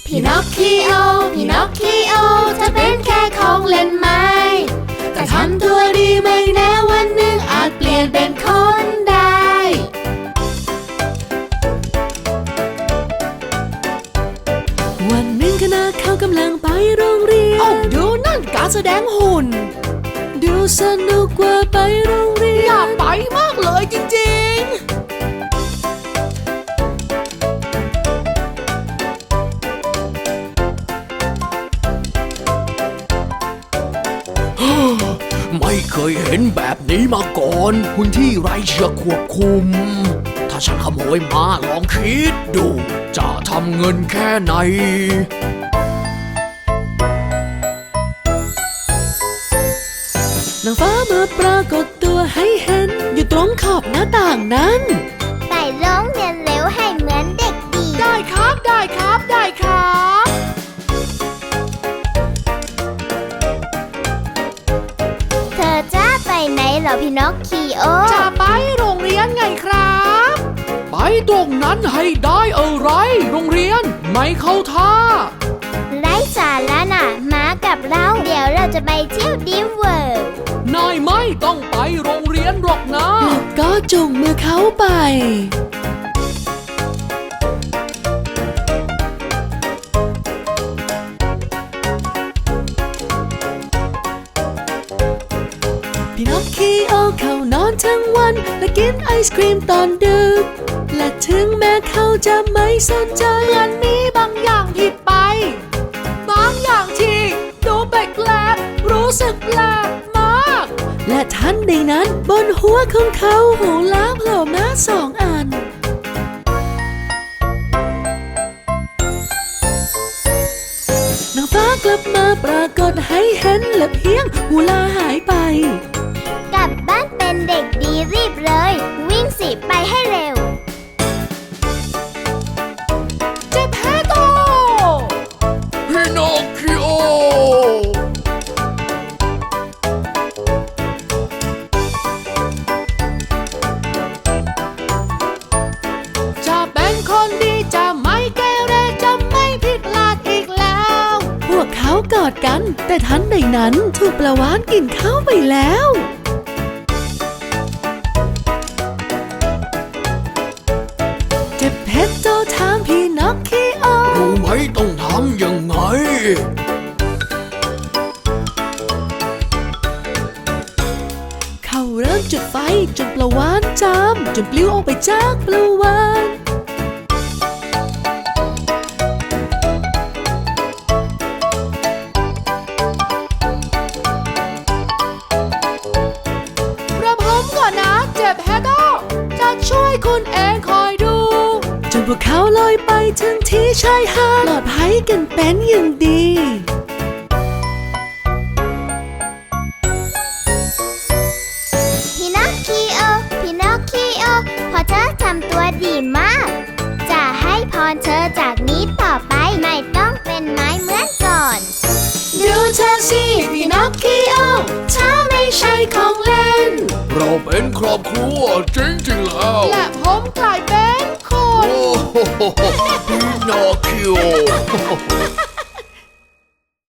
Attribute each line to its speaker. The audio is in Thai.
Speaker 1: พี่นอคคิโอพี่นอคคิโอเธอเป็นแค่ของเล่นไม้แต่ทำตัวดีไม่แน่วันหนึ่งอาจเปลี่ยนเป็นคนได้วันหนึ่งขณะเขากำลังไปโรงเรียนโอ้ดูนั่นการแสดงหุ่นดูสนุกกว่าไปโรงเรียนอยากไปมากเลยจริงๆ
Speaker 2: ไม่เคยเห็นแบบนี้มาก่อนหุ่นที่ไร้เชือกควบคุมถ้าฉันขโมยมาลองคิดดูจะทำเงินแค่ไหน
Speaker 1: นางฟ้ามาปรากฏตัวให้เห็นอยู่ตรงขอบหน้าต่างนั้น
Speaker 3: ไปโรงเรียนเร็วให้เหมือนเด็กดี
Speaker 1: ได้ครับได้ครับได้ครับ
Speaker 3: เธอจะไปไหนเหรอพี่นอคคิโอ
Speaker 1: จะไปโรงเรียนไงครับ
Speaker 2: ไปตรงนั้นให้ได้อะไรโรงเรียนไม่เข้าท่า
Speaker 3: ไร้สาระน่ะมากับเราเดี๋ยวเราจะไปเที่ยวดิมเวิร์
Speaker 2: นายไม่ต้องไปโรงเรียนหรอกนะ
Speaker 1: แล้วก็จุงมือเขาไปพี่นอคคิโอเขานอนทั้งวันและกินไอศครีมตอนดึกและถึงแม้เขาจะไม่สนใจมันมีบางอย่างผิดไปบางอย่างที่ดูแปลกๆรู้สึกแปลกมากและทันใดนั้นบนหัวของเขาหูล้างโผล่มา2 อันนางฟ้ากลับมาปรากฏให้เห็นและเพียงหูลาหายไป
Speaker 3: กลับบ้านเป็นเด็กดีรีบเลยวิ่งสิไปให้เร็ว
Speaker 1: เจ็บแผลโต
Speaker 2: พี่นอคคิโอ
Speaker 1: จะเป็นคนดีจะไม่เกเรจะไม่ผิดพลาดอีกแล้วพวกเขากอดกันแต่ทันใดนั้นถูกปลาวาฬกินเข้าไปแล้วเจ็บเพชรโตถามพี่นอคคิโอ
Speaker 2: รู้ไหมต้องทำยังไง
Speaker 1: เขาเริ่มจุดไฟจนปลาวาฬจามจนปลิวออกไปจากปลาวาฬประผมก่อนนะเจ็บแฮโดจะช่วยคุณเองคอยดูจนพวกเขาลอยไปถึงที่ชายหาดปลอดภัยกันเป็นอย่างดี
Speaker 3: พี่นอคคิโอพี่นอคคิโอพอเธอทำตัวดีมากจะให้พรเธอจากนี้ต่อไปไม่ต้องเป็นไม้เหมือนก่อน
Speaker 1: ดูเธอสิพี่นอคคิโอถ้าไม่ใช่ของเล่น
Speaker 2: เราเป็นครอบครัวจริงๆแล้ว
Speaker 1: และผมกลายเป็นคน
Speaker 2: โอ้โหพี่นอคคิโอ